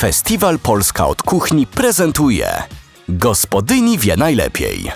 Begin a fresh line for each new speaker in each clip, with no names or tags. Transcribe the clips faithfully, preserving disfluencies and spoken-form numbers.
Festiwal Polska od Kuchni prezentuje Gospodyni wie najlepiej.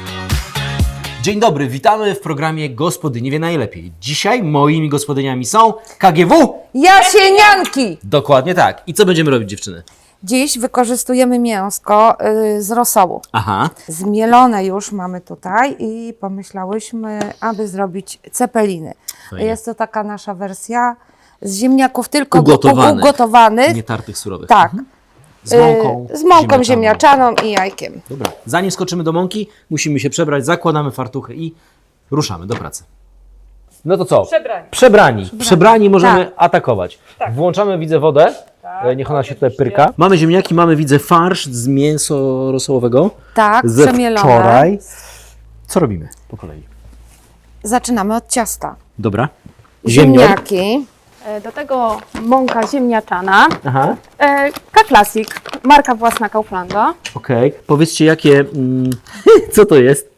Dzień dobry, witamy w programie Gospodyni wie najlepiej. Dzisiaj moimi gospodyniami są K G W.
Jasienianki!
Dokładnie tak. I co będziemy robić, dziewczyny?
Dziś wykorzystujemy mięsko y, z rosołu.
Aha.
Zmielone już mamy tutaj i pomyślałyśmy, aby zrobić cepeliny.
Fajnie.
Jest to taka nasza wersja z ziemniaków tylko
Ugotowanych.
ugotowanych.
Nie tartych, surowych.
Tak.
Mhm. Z mąką,
Y, z mąką ziemniaczaną i jajkiem.
Dobra, zanim skoczymy do mąki, musimy się przebrać, zakładamy fartuchy i ruszamy do pracy. No to co?
Przebrani.
Przebrani. Przebrani, Przebrani możemy
Tak.
atakować.
Tak.
Włączamy, widzę, wodę.
Tak,
E, Niech ona się tutaj
oczywiście.
pyrka. Mamy ziemniaki, mamy, widzę, farsz z mięsa rosołowego.
Tak,
Ze
przemielone.
wczoraj. Co robimy po kolei?
Zaczynamy od ciasta.
Dobra. Ziemnior.
Ziemniaki.
E, Do tego mąka ziemniaczana,
Aha.
e, K-Classic, marka własna Kauflanda.
Okej. Powiedzcie, jakie... Mm, co to jest?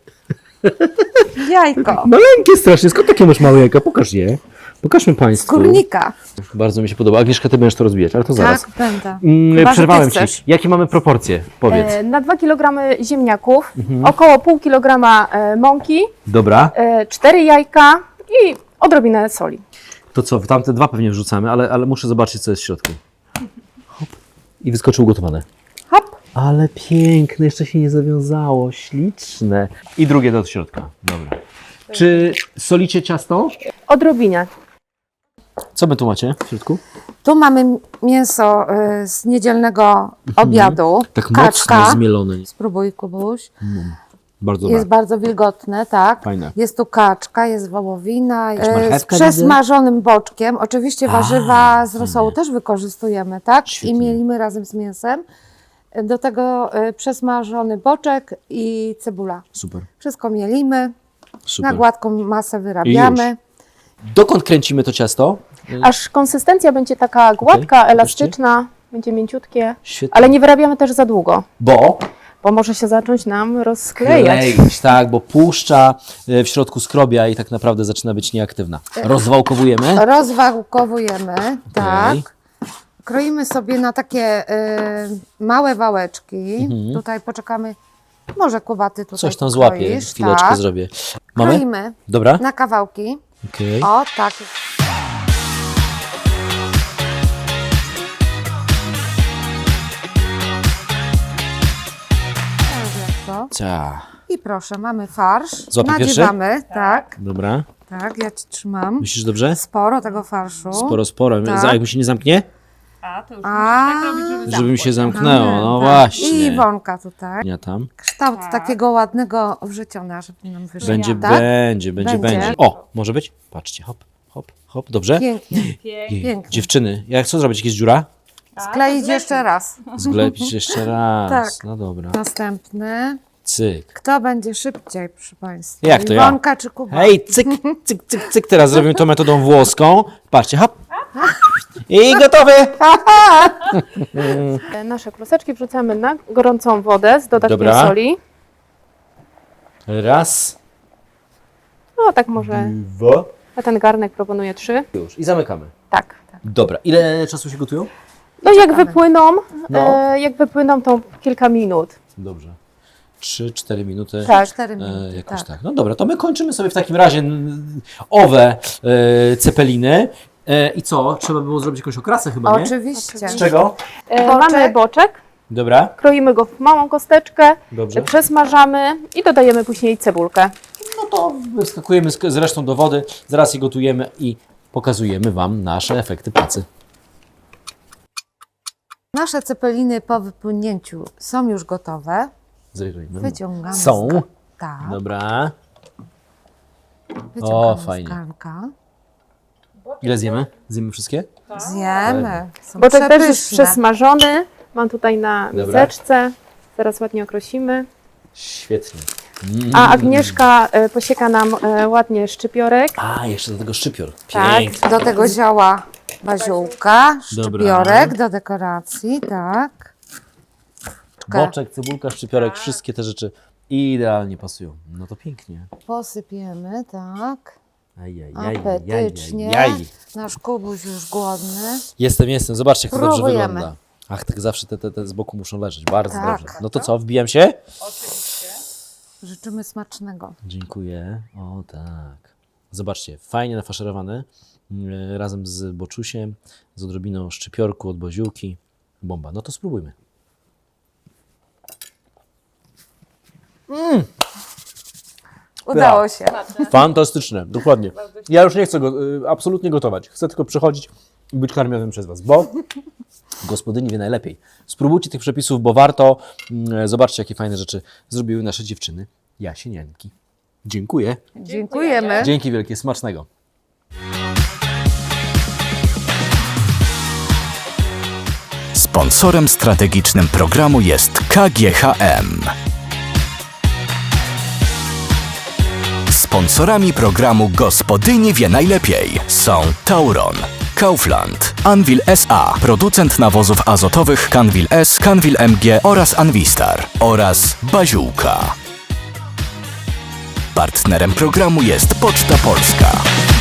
Jajko.
Maleńkie strasznie. Skąd takie masz małe jajka? Pokaż je. Pokażmy Państwu.
Skórnika.
Bardzo mi się podoba. Agnieszka, Ty będziesz to rozwijać, ale to zaraz.
Tak, będę.
Mm,
Chyba, że
przerwałem
ty
Ci.
chcesz.
Jakie mamy proporcje? Powiedz.
E, Na dwa kilogramy ziemniaków,
Mhm.
około pół kilograma e, mąki,
Dobra.
e, cztery jajka i odrobinę soli.
To co? Tamte dwa pewnie wrzucamy, ale, ale muszę zobaczyć, co jest w środku. Hop. I wyskoczył ugotowane.
Hop.
Ale piękne, jeszcze się nie zawiązało. Śliczne. I drugie do środka. Dobra. Czy solicie ciasto?
Odrobinę.
Co my tu macie w środku?
Tu mamy mięso y, z niedzielnego obiadu.
Tak
Kaczka.
mocno zmielone.
Spróbuj, Kubuś.
Bardzo
Jest
dobre.
bardzo wilgotne, tak.
Fajne.
Jest tu kaczka, jest wołowina,
Jakaś
e, z
marchewka
przesmażonym boczkiem. Oczywiście
A,
warzywa z
fajnie.
rosołu też wykorzystujemy, tak?
Świetnie.
I mielimy razem z mięsem. Do tego e, przesmażony boczek i cebula.
Super.
Wszystko mielimy,
Super.
na gładką masę wyrabiamy.
Dokąd kręcimy to ciasto?
Aż konsystencja będzie taka gładka, elastyczna, będzie mięciutkie,
Świetnie.
ale nie wyrabiamy też za długo,
Bo
bo może się zacząć nam rozklejać.
kleić, tak, bo puszcza e, w środku skrobia i tak naprawdę zaczyna być nieaktywna. Rozwałkowujemy.
Rozwałkowujemy, tak. Kroimy sobie na takie e, małe wałeczki. Tutaj poczekamy, może Kubaty tutaj
Mhm. Coś tam złapię,
kroisz,
chwileczkę
tak.
zrobię. Mamy?
Kroimy
Dobra?
na kawałki.
Okej.
O, tak. To.
Cia.
I proszę, mamy farsz.
Złapię pierwszy?
Nadziewamy, tak,
Dobra.
tak, ja Ci trzymam.
Myślisz dobrze?
Sporo tego farszu.
Sporo, sporo.
Tak.
Za- Jak mi się nie zamknie?
A, to już
A,
Żeby mi się zamknęło, no
tak.
właśnie.
I Iwonka tutaj.
Ja tam.
Kształt takiego ładnego wrzeciona, żeby nam wyszło.
Będzie,
tak?
będzie, będzie,
Będzie.
będzie. O, może być? Patrzcie, hop, hop, hop, dobrze?
Pięknie.
Jej.
pięknie.
Dziewczyny, jak co zrobić? Jakieś dziura?
Skleić jeszcze raz.
Zglepić jeszcze raz.
Tak.
No dobra.
Następny.
Cyk.
Kto będzie szybciej, proszę Państwa?
Jak to ja?
Iwonka czy Kuba?
Hej, cyk, cyk, cyk, cyk. Teraz zrobimy to metodą włoską. Patrzcie, hop. I gotowy.
E, Nasze kluseczki wrzucamy na gorącą wodę z dodatkiem
Dobra.
soli.
Raz,
No tak może,
dwa.
na ten garnek proponuję trzy.
Już. I zamykamy.
Tak.
Dobra. Ile czasu się gotują?
No jak wypłyną,
No.
e, jak wypłyną to kilka minut.
Dobrze. Trzy, cztery minuty.
Tak.
Cztery minuty,
E, jakoś tak.
tak.
No dobra, to my kończymy sobie w takim razie n- owe e, cepeliny. E, I co? Trzeba było zrobić jakąś okrasę chyba, nie?
Oczywiście.
Z czego?
E,
Boczek.
Mamy boczek,
Dobra.
kroimy go w małą kosteczkę,
Dobrze.
przesmażamy i dodajemy później cebulkę.
No to wyskakujemy z, z resztą do wody, zaraz je gotujemy i pokazujemy Wam nasze efekty pracy.
Nasze cepeliny po wypłynięciu są już gotowe.
Zrejrujmy.
Wyciągamy
Są.
z ga- Tak.
Dobra.
Wyciągamy
O,
z
fajnie.
garnka.
Ile zjemy? Zjemy wszystkie?
Zjemy. Są
Boczek też jest
przepyszne.
przesmażony, mam tutaj na
Dobra.
miseczce, zaraz ładnie okrosimy.
Świetnie. Mm.
A Agnieszka e, posieka nam e, ładnie szczypiorek.
A, jeszcze do tego szczypior.
Tak,
Pięknie.
do tego zioła baziłka,
Dobra.
szczypiorek do dekoracji, tak.
Boczek, cebulka, szczypiorek, wszystkie te rzeczy idealnie pasują. No to pięknie.
Posypiemy, tak.
Ajajaj,
Apetycznie.
ajajaj.
Nasz Kubuś już głodny.
Jestem, jestem. Zobaczcie, jak to dobrze
Próbujemy.
wygląda. Ach, tak zawsze te, te, te z boku muszą leżeć. Bardzo
Tak.
dobrze. No to co, wbijam się?
Życzymy smacznego.
Dziękuję. O tak. Zobaczcie, fajnie nafaszerowany, yy, razem z boczusiem, z odrobiną szczypiorku od boziółki. Bomba. No to spróbujmy.
Udało się.
Fantastyczne, dokładnie. Ja już nie chcę go y, absolutnie gotować. Chcę tylko przychodzić i być karmionym przez Was, bo gospodyni wie najlepiej. Spróbujcie tych przepisów, bo warto. Mm, Zobaczcie, jakie fajne rzeczy zrobiły nasze dziewczyny jasienianki. Dziękuję.
Dziękujemy.
Dzięki wielkie, smacznego.
Sponsorem strategicznym programu jest K G H M. Sponsorami programu Gospodyni wie najlepiej są Tauron, Kaufland, Anvil S A, producent nawozów azotowych Canvil S, Canvil M G oraz Anvistar oraz Baziółka. Partnerem programu jest Poczta Polska.